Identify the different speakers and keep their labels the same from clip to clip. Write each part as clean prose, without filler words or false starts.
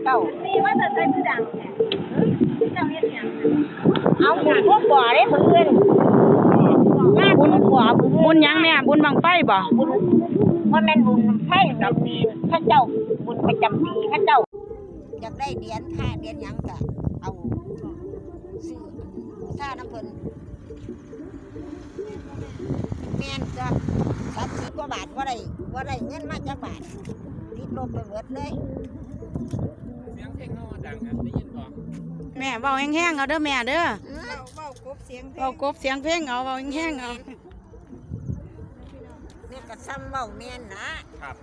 Speaker 1: เจ้ามีว่าจะใช้ผู้ดังเจ้าเฮ็ดหยังเอาบุญพวกบ่อได้เพิ่นงานบุญบ่อบุญหยังแม่บุญบังไฟบ่บุญว่าแม่นบุญไฟจำปีพระเจ้าบุญประจำปีพระเจ้าอยากได้เหรียญค่าเหรียญหยังก็เอาซื้อค่าน้ำเพิ่นแม่นก็30 กว่าบาทว่าได้เงินมาจากบาทติดลบไปหมดเลย
Speaker 2: เสียงเพลงเขาดังครับได้ยินบ่
Speaker 3: แม่เบาแห้งๆเอาเด้อแม่เด้อ
Speaker 1: เบากบเสียงเพลง
Speaker 3: เบากบเสียงเพลงเอาเบาแห้งๆเอา
Speaker 1: แม่ก็ซ้ำเบาแม่นนะครับ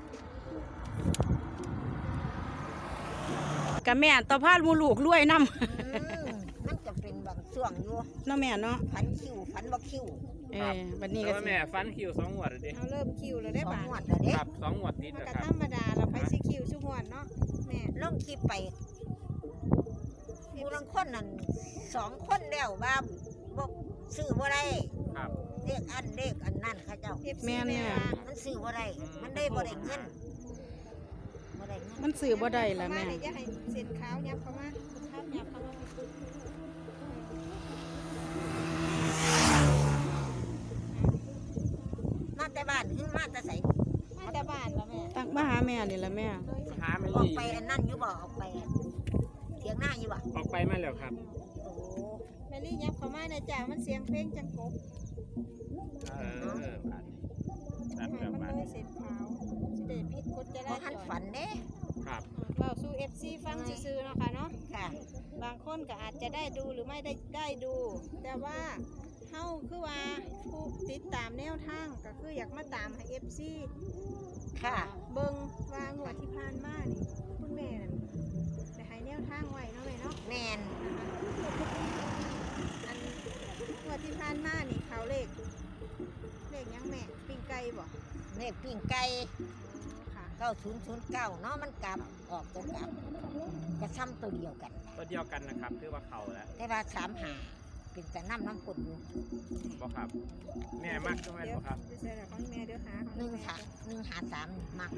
Speaker 3: กับแม่ต่อพาดมูลูกรวยน้ำ
Speaker 1: มันจะเป็นบางช่วงอยู่
Speaker 3: เนาะแม่เนาะ
Speaker 1: พันคิวพันบ่คิว
Speaker 3: บัดนี้ก็
Speaker 2: แม่ฟันคิว2 งวดเลยดิ
Speaker 4: เอาเริ่มคิวแล้วได้บาท
Speaker 1: 2 งวดแล้วเด้
Speaker 2: ครับ2 งวดติด
Speaker 4: มัน
Speaker 2: นะ
Speaker 4: ก็
Speaker 2: ครับ
Speaker 4: ธรรมดาเราไปสิคิวชุกงวดเนาะแม่
Speaker 1: ลงคลิปไปผู้ลังคนนั่น2 คนแล้วว่าบ่ซื้อบ่ได้
Speaker 2: ครับ
Speaker 1: เลขอันนั่นเขาเจ้า
Speaker 3: แม่เนี่ย
Speaker 1: มันซื้อบ่ได้มันได้บ่ได้เงินบ่ได้เงิน
Speaker 3: มันซื้อบ่ได้ล่ะแม่
Speaker 4: อย่าให้เส้นขาวยับเข้ามาขาวยับเข้ามา
Speaker 1: มาแต่บ้านหรือมาแต่ไส
Speaker 4: มาแต่บ้านแล้วแม่
Speaker 3: ตักมาหาแม่นี่ล่ะแม่
Speaker 2: หาไม่
Speaker 1: ออก
Speaker 2: ดี
Speaker 1: ไปอันนั้นอยู่บ่ออกไปเถียงหน้าอยู่บ่
Speaker 2: ออกไปมาแล้วครับ
Speaker 1: โอ้
Speaker 4: แม่ลี่ยับเข้ามาในจ่ามันเสียงเพลงจังกบ
Speaker 2: นั่นแหละ
Speaker 4: มัน
Speaker 2: บ้าน
Speaker 4: เลยเส้นขาวสิได้ผิดกฎจราจ
Speaker 1: บ่ทัน
Speaker 4: ร
Speaker 1: ฝันเด้
Speaker 2: ครับ
Speaker 4: เว้าสู่ FC ฟังซื่อๆเนาะค่ะเนาะ
Speaker 1: ค่ะ
Speaker 4: บางคนก็อาจจะได้ดูหรือไม่ได้ดู แต่ว่าเฮาคือว่าผู้ติดตามแนวทางก็คืออยากมาตามให้ FC
Speaker 1: ค่ะ
Speaker 4: เบิ่งว่างวดที่ผ่านมานี่คุณแม่นั่นได้ให้แนวทางไว้เนาะแม่เนาะ
Speaker 1: แม่น
Speaker 4: อันงวดที่ผ่านมานี่เขาเลขยังแม่ปิ้งไก่บ่
Speaker 1: เลขปิ้งไก่
Speaker 4: ค่ะ
Speaker 1: 9009เนาะมันกลับออกตัวกลับก็ซ้ำตัวเดียวกัน
Speaker 2: ตัวเดียวกันนะครับถือว่าเขาแล้ว
Speaker 1: แต่ว่า35เป็นแต่น้ำกดอยู่
Speaker 2: บ่ครับแม่มักใช่ไหมบ่ครับ
Speaker 4: เดี๋ยวใส่แล้วของแม่เดี๋ยวหาของแม่
Speaker 1: 153มัก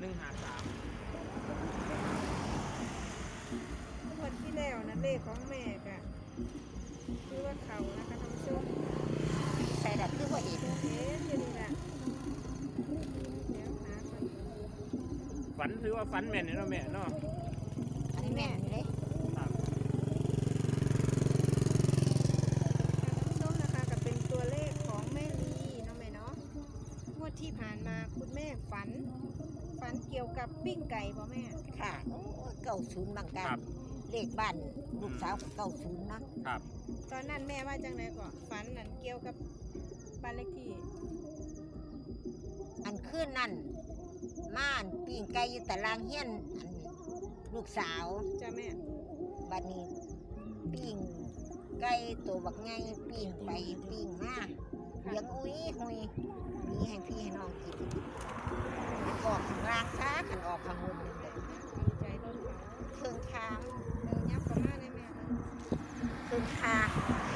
Speaker 2: 153
Speaker 4: งวดที่แล้วนะเลขของแม่ก็คือว่าเขานะคะท่านผู้ชม
Speaker 1: ใส่ดับคือบ่เห็น
Speaker 4: เอ๊ะอยู่นี่ล่ะเดี๋ยวหาก่อน
Speaker 2: ฝันถือว่าฝันแม่นเนาะแม่เนาะ
Speaker 1: อันนี้แม่นี่เด้
Speaker 2: ครับ
Speaker 4: ท่านผู้ชมนะคะก็เป็นตัวเลขของแม่ลีเนาะแม่เนาะงวดที่ผ่านมาคุณแม่ฝันเกี่ยวกับปิ้งไก่บ่แม่
Speaker 1: ค่ะโอ้90บางการเลขบ้านลูกสาวก็90เนาะ
Speaker 2: ครับ
Speaker 4: ตอนนั้นแม่ว่าจังไดก่อนฝันนั่นเกี่ยวกับบ้านเลขที่
Speaker 1: อันคืนนั่นม่านปิ้งไก่อยู่ตารางเฮียนอันลูกสาว
Speaker 4: จ้าแม่
Speaker 1: บัดนี้ปิ้งไก่ตัวบักไงปิ้งไปปิ้งมาเลี้ยงอุ้ยหุยมีให้พี่ให้น้องกินออกข้างล่างซะขันออกข้างบนนี่เลย
Speaker 4: ดีใจต้นเขา
Speaker 1: เครื่องทาง
Speaker 4: ยับเข้ามาเลยแม่
Speaker 1: เครื่องทาง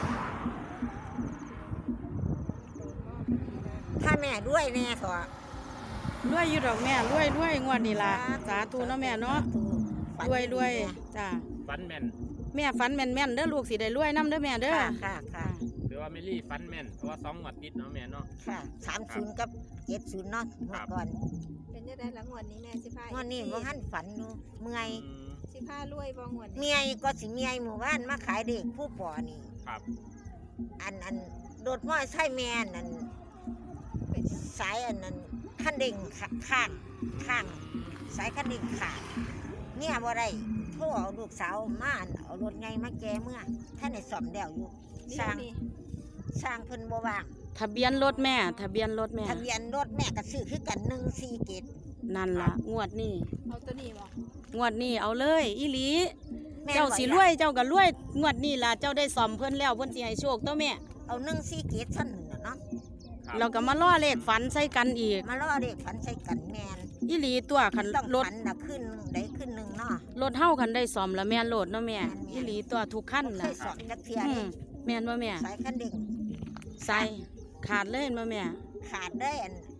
Speaker 4: โดนมอบพอดีเลย
Speaker 1: ถ้าแม่ด้วยแน่เถอะ
Speaker 3: รวยอยู่ดอกแม่รวยงวดนี้ล่ะสาธุเนาะแม่เนาะรวยจ้า
Speaker 2: ฝันแม่น
Speaker 3: แม่ฝันแม่นๆเด้อลูกสิได้รวยนํเด้อแม่เด้อ
Speaker 1: ค่ะ
Speaker 2: หรือว่าไม่รีฝันแม่นเพราะว่า2 งวดติดเนาะแม่เนาะ
Speaker 1: ค่ะ30กับ70เนาะเมื่อก่อน
Speaker 4: เป็นยังไงหลังงวดนี้แม่สิพาง
Speaker 1: วดนี้บ่ทันฝันอยู่เมื่อย
Speaker 4: สิพารวยบ่งวดนี้
Speaker 1: เมียก็สิเมียหมู่บ้านมาขายเด็กผู้ปอนี่
Speaker 2: ครับ
Speaker 1: อันโดดม้อยใช่แม่นั่นเป็นสายอันนั้นคันเด้งข้างสายคันเด้งขาดเนี่ยบ่ได้โทรเอาลูกสาวมาเอารถไงมาแกเมื่อท่านได้สอมแล้วอยู่สร้างเพิ่นบ่ว่าง
Speaker 3: ทะเบียนรถแม่ทะเบียนรถแม่
Speaker 1: ทะเบียนรถแม่ก็ซื้อคือกัน147
Speaker 3: นั่นล่ะงวดนี้
Speaker 4: เอาตัวนี้บ่
Speaker 3: งวดนี้เอาเลยอีหลีเจ้าสิรวยเจ้าก็รวยงวดนี้ล่ะเจ้าได้ซ่อมเพิ่นแล้วเพิ่นสิให้โชคตัวแม่
Speaker 1: เอา147ซั่นน่ะเนาะ
Speaker 3: เราก็มาล่อเลขฝันใส่กันอีก
Speaker 1: มาล่อเด็กฝันใส่กันแม่น
Speaker 3: อีหลีตัวคัน
Speaker 1: ต้อง
Speaker 3: รถ
Speaker 1: ฝันน่ะขึ้นได้ขึ้นหนึงเนาะ
Speaker 3: รถเฮาคันได้ซ่อมแล้วแม่นโลดเนาะแม่อีหลีตัวทุกคัน
Speaker 1: เค
Speaker 3: น่ะ
Speaker 1: ยสอนจักเทีย
Speaker 3: อื
Speaker 1: นี่
Speaker 3: มแม่นบ่แม่
Speaker 1: สายคันเด้ง
Speaker 3: ใส่ขาดเลยบ่แม่
Speaker 1: ขาดได้อัน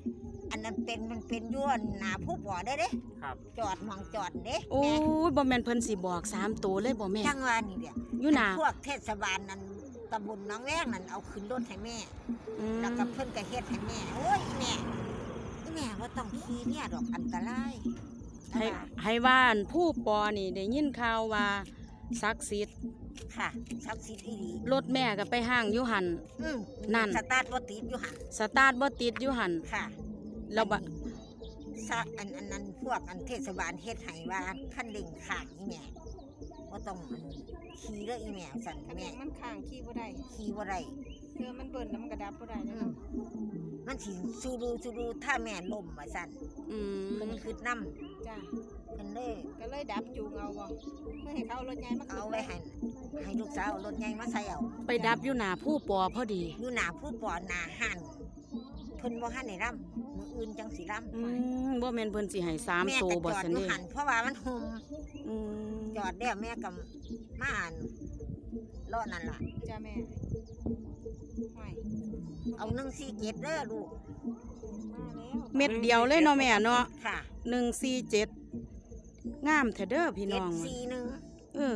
Speaker 1: อันนั้นมันเป็นย้วนหนาผู้บ่อได้เด้
Speaker 2: ครับ
Speaker 1: จอดมองจอดเด้
Speaker 3: โอ้ยบ่แม่นเพิ่นสิบอก3ตัวเลยบ่แม่
Speaker 1: จังว่านี่เด้อ
Speaker 3: อยู่หน้า
Speaker 1: พวกเทศบาลนั้นตำบลหน้องแวงนั้นเอาขึ้นรถให้แม่
Speaker 3: อืม
Speaker 1: แล้วก็เพิ่นก็เฮ็ดให้แม่โอ้ยอีแม่ว่าต้องขี่เนี่ยดอกอันตราย
Speaker 3: ให้ว่าอันผู้ปอนี่ได้ยินข่าวว่าศักดิ์สิทธิ์
Speaker 1: ค่ะศักดิ์สิทธิ์อีหลี
Speaker 3: รถแม่ก็ไปห้างอยู่หัน
Speaker 1: อืม
Speaker 3: นั่น
Speaker 1: สตาร์ทบ่ติดอยู่หั่น
Speaker 3: สตาร์ทบ่ติดอยู่หัน
Speaker 1: ค่ะ
Speaker 3: แล้วบะ
Speaker 1: อันนั้นพวกอันเทศบาลเฮ็ดให้ว่าคันเร่งข้างอีแม่บ่ต้องอันขี่เด้ออีแม่สั่น
Speaker 4: คัน
Speaker 1: แม่
Speaker 4: เร่งมันข้างขี้บ่ได้
Speaker 1: ขี่บ่ได้
Speaker 4: มันเบิ่นแล้วมันกระดับบ่ได้
Speaker 1: อื
Speaker 4: เนาะ
Speaker 1: มมันสิสูดูถ้าแม่ล้มว่าสั่น
Speaker 3: อื
Speaker 1: เพิ่น
Speaker 3: ม
Speaker 1: คืดนำ
Speaker 4: จ้า
Speaker 1: เพิ่นเลย
Speaker 4: ก็เลยดับจูงเอาบ่เพื่อให้เขาเอารถใหญ่มาขึ้น
Speaker 1: เอาไว้ให้ลูกสาวเอารถใหญ่มาใส่เอา
Speaker 3: ไปดับอยู่หน้าผู้ปอพอดี
Speaker 1: อยู่หน้าผู้ปอหน้าหันเพิ่นบ่ทันได้ร่ำมื้ออื่นจังสิร่ำ
Speaker 3: อืมบ่แม่นเพิ่นสิให้
Speaker 1: แม่
Speaker 3: 3ตัว
Speaker 1: ก็
Speaker 3: บ่
Speaker 1: จอด
Speaker 3: ซั่น
Speaker 1: อยู่
Speaker 3: เด้
Speaker 1: หันเพราะว่ามันห่ม
Speaker 3: อืม
Speaker 1: จอดแล้วแม่ก็มาอ่านเลาะนั่นล่ะ
Speaker 4: จ้าแม่ไม่
Speaker 1: เอา147เด้อลูก
Speaker 4: มาแล้ว
Speaker 3: เม็ดเดียวเลยเนาะแม่เนาะ
Speaker 1: ค่ะ
Speaker 3: 147งามแท้เด้อพี่น้อง
Speaker 1: 741
Speaker 3: เออ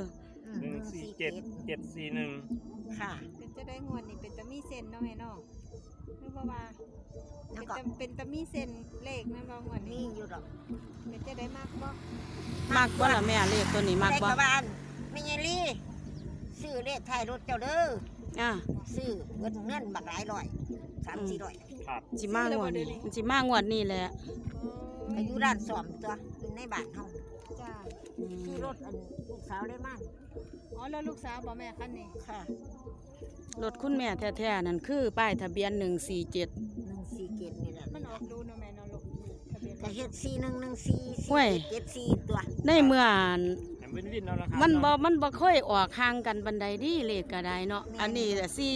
Speaker 2: 147
Speaker 1: ค่ะ
Speaker 4: เป็นจะได้งวดนี่เป็นตะมีเส้นเนาะแม่เนาะหรือว่า
Speaker 1: แล้วก็
Speaker 4: เป็นตะมีเส้นเลขนั่นบ่งวด
Speaker 1: มี
Speaker 4: นี้
Speaker 1: อยู่ดอก
Speaker 4: เป็นจะได้มากบ่
Speaker 3: มักบ่ล่ะแม่เลขตัวนี้มักบ่
Speaker 1: ได้กระบาลแม่ยายลี่ซื้อเลขท้ายรถเจ้าเด้อ
Speaker 3: อ่ะ
Speaker 1: ซื้อเงินบักหลายร้อย3-400
Speaker 2: ครับ
Speaker 3: สิมางวดนี้มันสิมางวดนี้แหละ
Speaker 1: ก็อยู่ร้านซ่อมตัวอยู่ในบ้านเฮา
Speaker 4: จ้า
Speaker 3: อืม
Speaker 1: ขี่รถอันลูกสาวได้มาก
Speaker 4: อ๋อแล้วลูกสาวบ่แม่คันนี้
Speaker 1: ค่ะ
Speaker 3: รถคุณแม่แท้ๆนั่นคือป้ายทะเบียน147
Speaker 1: 147นี่แหละ
Speaker 4: มันออกดูเนาะแม่เนาะลูกทะเบียน
Speaker 1: ก็เฮ็ด4114
Speaker 3: เว้ย
Speaker 1: 74ตัว
Speaker 3: ในเมื่อ
Speaker 2: แต่วินเอาละครับ
Speaker 3: มันบ่ค่อยออกห่างกันบันไดดีเลขก็ได้เนาะอันนี้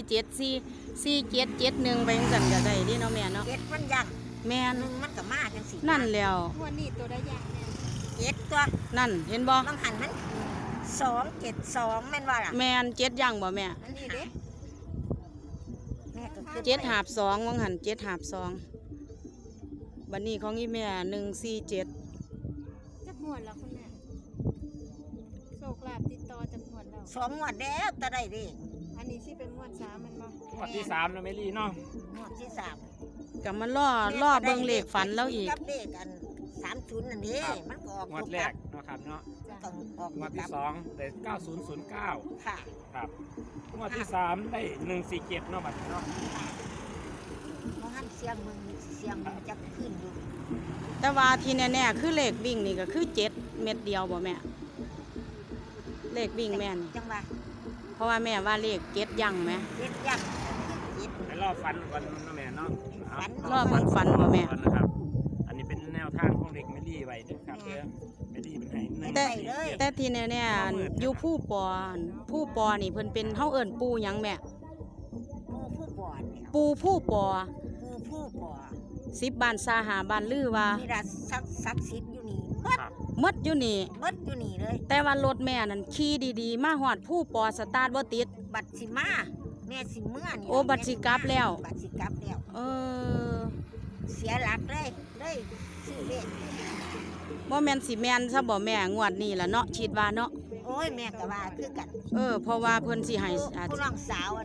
Speaker 3: 474771ไปจังซั่นก็ได้ดิเนาะแม่เนาะ
Speaker 1: เจ็ดมันยัง
Speaker 3: แม่น
Speaker 1: หนึ่งมันก็มาจังสิ
Speaker 3: นั่นแล้ว
Speaker 4: งวดนี้ตัวได้ยากแม่
Speaker 1: เจ็ดตัว
Speaker 3: นั่นเห็นบ่
Speaker 1: บางหันมัน272แม่นว่าล่ะ
Speaker 3: แม่น7อย่างบ่แม่
Speaker 1: อันนี้เด้แม่ก็คือ
Speaker 3: 7หาบ2วังหัน7หาบ2บัดนี้ของอีแม่147
Speaker 4: จักงวดแล้วคุณแม่โชคลาภติดต่อจักงวดแล้ว
Speaker 1: 2งวดแล้วตะได้เด้
Speaker 4: อันนี้สิเป็นงวด3มันบ่
Speaker 2: งวดที่3นะเมลี่เนาะ
Speaker 1: งวดที่3
Speaker 3: ก็มันรอเบิ่งเลขฝันแล้วอีก
Speaker 1: กับเลขอัน30นั่นเด้มันก็ออก
Speaker 2: งวดแรกเนาะครับเนาะ
Speaker 1: ต้องออก
Speaker 2: งวดที่
Speaker 1: กลับ
Speaker 2: 2ได้9009
Speaker 1: ค่ะ
Speaker 2: ครับงวดที่3ได้147เนาะบัดนี้เนาะ
Speaker 1: เพราะหันเสียงมึงเสียงมึงจะขึ้นอยู่
Speaker 3: แต่ว่าที่แน่ๆคือเลขวิ่งนี่ก็คือ7เม็ดเดียวบ่แม่เลขวิ่งแม่น
Speaker 1: จังว่า
Speaker 3: เพราะว่าแม่ว่าเลข7ยังไหม
Speaker 1: เจ็ดยักษ์เจ็ด
Speaker 2: ให้รอฟันก่อนเนาะแม่เนาะ
Speaker 1: ฝัน
Speaker 3: รอเบิ่งฝันบ่แม่
Speaker 2: ก่อนนะครับ อันนี้เป็นแนวทางของเด็กเมลี่ไว้นะครับเด้อเมลี่เป็นให้147
Speaker 3: แต่ที่แน่ๆอยู่ผู้ปอนี่เพิ่นเป็นเฮาเอิ้นปูหยังแม่
Speaker 1: ผู้บอดเนี่ย
Speaker 3: ปูผู้ปอ
Speaker 1: ผู้บอด
Speaker 3: 10บ้านซาหาบ้านลือว่า
Speaker 1: มีราศักดิ์สิทธิ์อยู่นี่เบิด
Speaker 2: ครับ
Speaker 3: หมดอยู่นี่
Speaker 1: เบิดอยู่นี่เลย
Speaker 3: แต่ว่ารถแม่นั่นขี่ดีๆ มาฮอดผู้ปอสตาร์ทบ่ติด
Speaker 1: บัตรสิมาแม่สิเมื่อนี่
Speaker 3: โอ้บัตรสิกลับแล้ว
Speaker 1: บัตรสิกลับแล้ว
Speaker 3: เออ
Speaker 1: เสียหลักเลยซื้อเลข
Speaker 3: บ่แม่นสิแม่นซะบ่แม่งวดนี้ล่ะเนาะคิดว่าเนาะ
Speaker 1: โอ้ยแม่ก็ว่าคือกัน
Speaker 3: เพราะว่าเพิ่นสิให้
Speaker 1: ผู้น้องสาว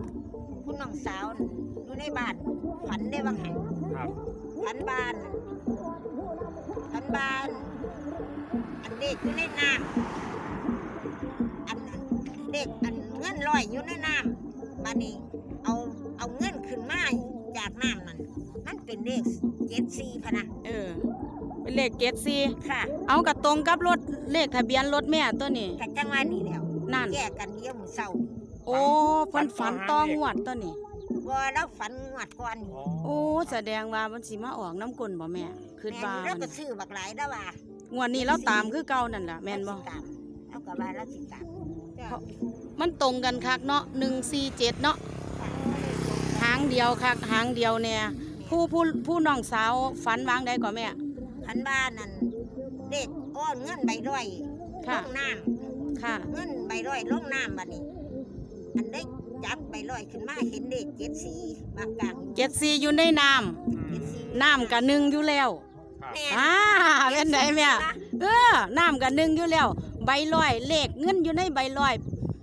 Speaker 1: อยู่ในบ้านฝันได้บางแห่ง
Speaker 2: ครับ
Speaker 1: ฝันบ้านอันเด็กอยู่ในน้ำอันเด็กอันเงินลอยอยู่ในน้ำบ้านนี้เอาเงินขึ้นมาจากน้ำนั่นมันเป็นเลข74พะนะ
Speaker 3: เป็นเลข74
Speaker 1: ค่ะ
Speaker 3: เอากระตรงกับรถเลขทะเบียนรถแม่ตัวนี้
Speaker 1: กันจังว่านี่แล้ว
Speaker 3: นั่น
Speaker 1: แยกกันเดียวมื้อเช้า
Speaker 3: โอ้เพิ่นฝันต้องงวดตัวนี้
Speaker 1: ว่าแล้วฝันงวดก่อนนี่
Speaker 3: โอ้แสดงว่ามันสิมาออกน้ำกลนบ่แม่คิด
Speaker 1: แม่
Speaker 3: ว่า
Speaker 1: นี่เราก็ซื้อบักหลายแล้วว่าง
Speaker 3: วดนี้เราตามคือเก่านั่นล่ะแม่นบ่
Speaker 1: เราสิตามแล้วก็ว่าเราสิตาม
Speaker 4: จ้า
Speaker 3: มันตรงกันคักเนาะ147เนาะหางเดียวคักหางเดียวแน่ผู้น้องสาวฝันวางได้ก่อนแม่
Speaker 1: พันบ้านนั่นเด็กอ้อนเงินใบร้อยล
Speaker 3: ค่ะ
Speaker 1: งน้
Speaker 3: ค่ะ
Speaker 1: ำเงินใบร้อยลงน้ำบัดนี้ อันได้จับใบร้อยขึ้นมาเห็นเด็ก74บางกลาง
Speaker 3: 74อยู่ในน้ำน้ำกะหนึ่งอยู่แล้ว
Speaker 2: ครับ
Speaker 3: เป็นไดแม่น้ำกะหนึ่งอยู่แล้วใบลอยเลขเงินอยู่ในใบลอย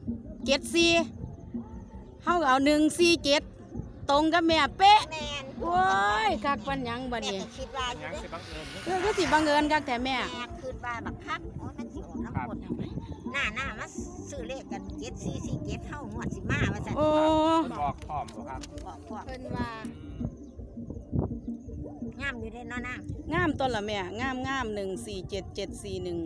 Speaker 3: 74เฮาก็เอา147ตรงกับแม่เป๊ะ
Speaker 1: แม่น
Speaker 3: โอ้ยคักปันหยังบัด
Speaker 1: แม่
Speaker 3: นี้
Speaker 1: ก็คิดว่าอยู่
Speaker 2: ยัง
Speaker 1: เด้
Speaker 2: สิบังเอิญ
Speaker 3: ก็สิบังเอิญคักแต่แม่
Speaker 1: แม่คิดว่าบักคักโอ้ยมันสิออกน้ำคนหน้ามาซื้อเลขกัน7447เฮาหวดสิมาว่าซั่น
Speaker 3: โอ้
Speaker 2: บอกพร้อมบ่ครับ
Speaker 1: บอกพวก
Speaker 4: เพิ่นว่า
Speaker 1: งามอยู่เด้เนาะนาง
Speaker 3: งามต้นละแม่งาม147 741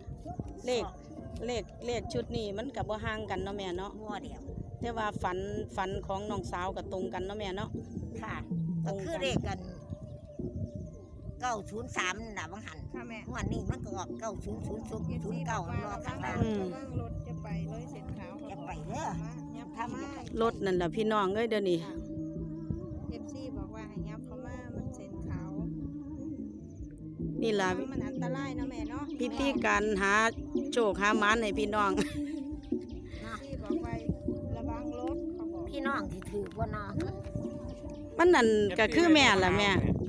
Speaker 3: เลขชุดนี้มันก็บ่ห่างกันเนาะแม่เนาะ
Speaker 1: บัวเดียว
Speaker 3: แต่ว่าฝันของน้องสาวก็ตรงกันเนาะแม่เนาะ
Speaker 1: ค่ะก็คือเลขกัน903น่ะบางหัน
Speaker 4: ค่ะแม่
Speaker 1: งวดนี้มันก็ออก900009
Speaker 4: บอกว่า
Speaker 1: รอ
Speaker 4: ระ
Speaker 1: ข้าง
Speaker 4: วั
Speaker 1: ล่าง ง
Speaker 4: ระวังรถจะไปเลยเส้นขาว
Speaker 1: จะไปเด้อ
Speaker 4: ยับ
Speaker 1: ถ้า
Speaker 4: เข้า
Speaker 1: มัน
Speaker 4: มา
Speaker 1: จะไป
Speaker 3: รถนั่นล่ะพี่น้องเอ้ยเดี๋ยวนี้
Speaker 4: FC บอกว่าให้ยับเข้ามามันเส้นขาว
Speaker 3: นี่ล่ะ
Speaker 4: มันอันตรายเนาะแม่เนาะ
Speaker 3: พิธีการหาโชคหาหมานให้พี่น้อง
Speaker 4: ที่บอกไว้ระวังรถเขาบอก
Speaker 1: พี่น้องที่ถือบ่เนาะ
Speaker 3: มันนั่นก็คือแม่ล่ะแม่
Speaker 2: เ